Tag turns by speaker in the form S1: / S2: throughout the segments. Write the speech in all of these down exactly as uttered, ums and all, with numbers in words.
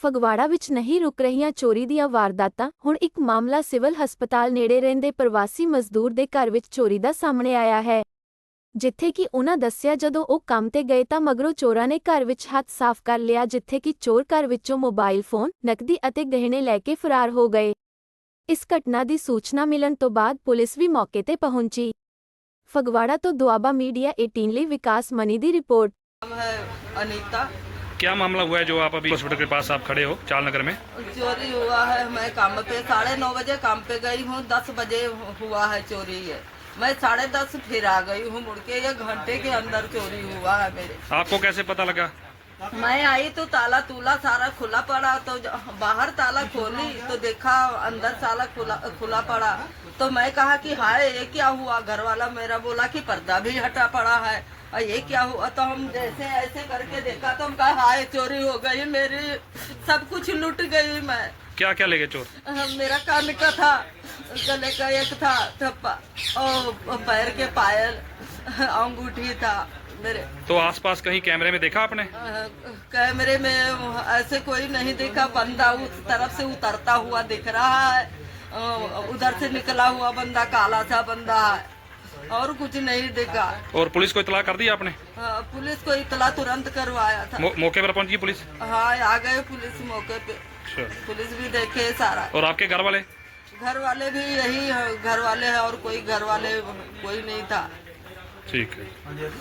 S1: ਫਗਵਾੜਾ ਵਿੱਚ ਨਹੀਂ ਰੁਕ ਰਹੀਆਂ ਚੋਰੀ ਦੀਆਂ ਵਾਰਦਾਤਾਂ। ਹੁਣ ਇੱਕ ਮਾਮਲਾ ਸਿਵਲ ਹਸਪਤਾਲ ਨੇੜੇ ਰਹਿੰਦੇ ਪ੍ਰਵਾਸੀ ਮਜ਼ਦੂਰ ਦੇ ਘਰ ਵਿੱਚ ਚੋਰੀ ਦਾ ਸਾਹਮਣੇ ਆਇਆ ਹੈ, ਜਿੱਥੇ ਕਿ ਉਹਨਾਂ ਦੱਸਿਆ ਜਦੋਂ ਉਹ ਕੰਮ ਤੇ ਗਏ ਤਾਂ ਮਗਰੋਂ ਚੋਰਾਂ ਨੇ ਘਰ ਵਿੱਚ ਹੱਥ ਸਾਫ਼ ਕਰ ਲਿਆ, ਜਿੱਥੇ ਕਿ ਚੋਰ ਘਰ ਵਿੱਚੋਂ ਮੋਬਾਈਲ ਫੋਨ, ਨਕਦੀ ਅਤੇ ਗਹਿਣੇ ਲੈ ਕੇ ਫਰਾਰ ਹੋ ਗਏ। ਇਸ ਘਟਨਾ ਦੀ ਸੂਚਨਾ ਮਿਲਣ ਤੋਂ ਬਾਅਦ ਪੁਲਿਸ ਵੀ ਮੌਕੇ ਤੇ पहुंची। फगवाड़ा तो दुआबा मीडिया अठारह ਲਈ विकास मनी ਦੀ रिपोर्ट।
S2: नाम है अनीता।
S3: क्या मामला हुआ है जो आप अभी हॉस्पिटल के पास आप खड़े हो चाल नगर में?
S2: चोरी हुआ है, मैं काम पे साढ़े नौ बजे काम पे गई हूँ, दस बजे हुआ है चोरी है। मैं साढ़े दस फिर आ गई हूँ मुड़ के, एक घंटे के अंदर चोरी हुआ है मेरे।
S3: आपको कैसे पता लगा?
S2: मैं आई तो ताला तूला सारा खुला पड़ा, तो बाहर ताला खोली तो देखा अंदर ताला खुला खुला पड़ा, तो मैं कहा कि हाय ये क्या हुआ। घर वाला मेरा बोला कि पर्दा भी हटा पड़ा है, और ये क्या हुआ। तो हम जैसे ऐसे करके देखा तो हम कहा हाय चोरी हो गई मेरी, सब कुछ लूट गई मैं।
S3: क्या क्या ले गए चोर?
S2: मेरा कान का था, गले का एक था थप्पा, और पैर के पायल, अंगूठी था मेरे।
S3: तो आसपास कहीं कैमरे में देखा आपने?
S2: कैमरे में ऐसे कोई नहीं देखा, बंदा उस तरफ से उतरता हुआ दिख रहा है, उधर से निकला हुआ बंदा काला सा बंदा है, और कुछ नहीं देखा।
S3: और पुलिस को इतला कर दी आपने?
S2: हाँ, पुलिस को इतला तुरंत करवाया था।
S3: मौ, मौके पर पहुंची पुलिस?
S2: हाँ, आ गए पुलिस मौके पे। पुलिस भी देखे सारा।
S3: और आपके घर वाले?
S2: घर वाले भी यही घर वाले हैं, और कोई घर वाले कोई नहीं था।
S3: ठीक है।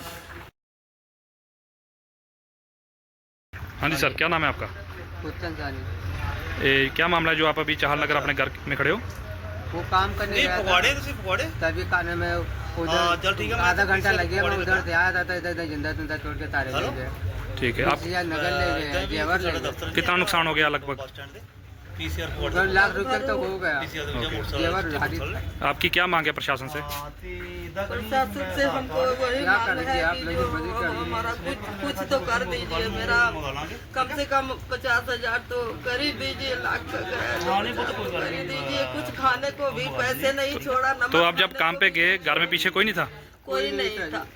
S3: हाँ जी सर, क्या नाम है आपका?
S4: उत्तम जानी।
S3: ए, क्या मामला है जो आप अभी चाहल नगर अपने घर में खड़े हो?
S4: वो काम करने गया था, तभी खाने में उधर आधा घंटा लगे, मैं उधर से आया था, इधर इधर जिंदा जिंदा तोड़ के तारे ले गए।
S3: ठीक है। आप
S4: नगर ले गए, जेवर ले गए।
S3: कितना नुकसान हो गया लगभग?
S4: उधर लाख रुपए तो हो गया। जेवर भारी।
S3: आपकी क्या मांग है प्रशासन से?
S2: प्रशासन से हमको वही
S4: क्या
S2: मांग
S4: करेंगे
S2: है
S4: आप
S2: कि
S4: लोग,
S2: जो
S4: मदद कर दीजिए।
S2: हमारा कुछ कुछ तो कर दीजिए, मेरा कम से कम पचास हजार तो कर ही दीजिए, लाख का कर ही दीजिए। कुछ खाने को भी पैसे नहीं छोड़ा। नमक
S3: तो आप जब
S2: खाने
S3: काम
S2: को
S3: पे गए घर में पीछे कोई नहीं था?
S2: कोई नहीं था।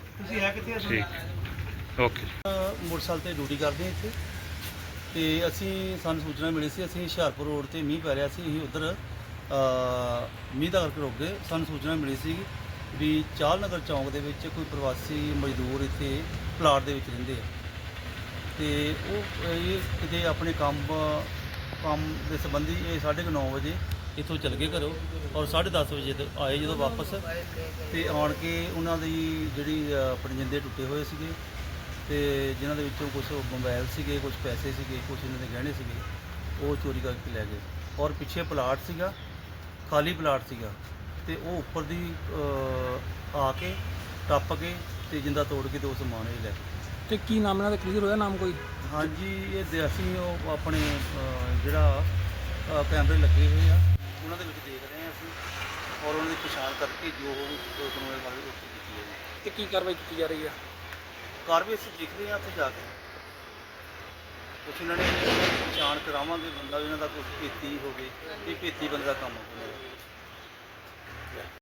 S3: ठीक, ओके।
S5: मोटरसाइकिल ਤੇ ਡਿਊਟੀ ਕਰਦੇ ਹਾਂ ਇੱਥੇ, ਤੇ ਅਸੀਂ ਸਾਨੂੰ ਸੂਚਨਾ ਮਿਲੀ ਸੀ, ਅਸੀਂ ਹੁਸ਼ਿਆਰਪੁਰ ਰੋਡ ਤੇ ਮੀਂਹ ਪੈ ਰਿਹਾ ਸੀ, ਅਸੀਂ ਉੱਧਰ ਮੀਂਹ ਦਾ ਕਰਕੇ ਰੁਕ ਗਏ। ਸਾਨੂੰ ਸੂਚਨਾ ਮਿਲੀ ਸੀ ਵੀ ਚਾਲ ਨਗਰ ਚੌਂਕ ਦੇ ਵਿੱਚ ਕੋਈ ਪ੍ਰਵਾਸੀ ਮਜ਼ਦੂਰ ਇੱਥੇ ਪਲਾਟ ਦੇ ਵਿੱਚ ਰਹਿੰਦੇ ਆ, ਤੇ ਉਹ ਇਹ ਕਿਤੇ ਆਪਣੇ ਕੰਮ ਕੰਮ ਦੇ ਸੰਬੰਧੀ ਇਹ ਸਾਢੇ ਕੁ ਨੌ ਵਜੇ ਇੱਥੋਂ ਚੱਲ ਗਏ ਘਰੋਂ, ਔਰ ਸਾਢੇ ਦਸ ਵਜੇ ਤੱਕ ਆਏ ਜਦੋਂ ਵਾਪਸ, ਤੇ ਆਣ ਕੇ ਉਹਨਾਂ ਦੀ ਜਿਹੜੀ ਆਪਣੇ ਜਿੰਦੇ ਟੁੱਟੇ ਹੋਏ ਸੀਗੇ, ਤੇ ਜਿਨ੍ਹਾਂ ਦੇ ਵਿੱਚੋਂ ਕੁਝ ਮੋਬਾਈਲ ਸੀਗੇ, ਕੁਝ ਪੈਸੇ ਸੀਗੇ, ਕੁਝ ਇਹਨਾਂ ਦੇ ਗਹਿਣੇ ਸੀਗੇ, ਉਹ ਚੋਰੀ ਕਰਕੇ ਲੈ ਗਏ। ਔਰ ਪਿੱਛੇ ਪਲਾਟ ਸੀਗਾ, ਖਾਲੀ ਪਲਾਟ ਸੀਗਾ, ਤੇ ਉਹ ਉੱਪਰ ਦੀ ਆ ਕੇ ਟੱਪ ਕੇ ਤੇ ਜਿੰਦਾ ਤੋੜ ਕੇ ਤੇ ਉਹ ਸਮਾਨ ਇਹ ਲੈ ਗਏ।
S6: ਤੇ ਕੀ ਨਾਮ ਇਹਨਾਂ ਦਾ ਕਲੀਅਰ ਹੋਇਆ ਨਾਮ ਕੋਈ?
S5: ਹਾਂਜੀ, ਇਹ ਦੇ- ਅਸੀਂ ਉਹ ਆਪਣੇ ਅ, ਜਿਹੜਾ ਅ, ਕੈਮਰੇ ਲੱਗੇ ਹੋਏ ਆ ਉਹਨਾਂ ਦੇ ਵਿੱਚ ਦੇਖ ਰਹੇ ਹਾਂ ਅਸੀਂ, ਔਰ ਉਹਨਾਂ ਦੀ ਪਛਾਣ ਕਰਕੇ ਜੋ ਕਾਨੂੰਨੀ ਕਾਰਵਾਈ ਉਹ ਕੀਤੀ ਹੈ ਜੀ।
S6: ਤੇ ਕੀ ਕਾਰਵਾਈ ਕੀਤੀ ਜਾ ਰਹੀ ਹੈ?
S5: ਕਾਰਵਾਈ ਅਸੀਂ ਦੇਖ ਰਹੇ ਹਾਂ ਉੱਥੇ ਜਾ ਕੇ, ਕੁਛ ਇਹਨਾਂ ਨੇ ਪਛਾਣ ਕਰਾਵਾਂਗੇ ਬੰਦਾ ਵੀ ਇਹਨਾਂ ਦਾ ਕੁਛ ਭੇਤੀ ਹੋਵੇ, ਇਹ ਭੇਤੀ ਬੰਦੇ ਦਾ ਕੰਮ ਹੋਵੇ।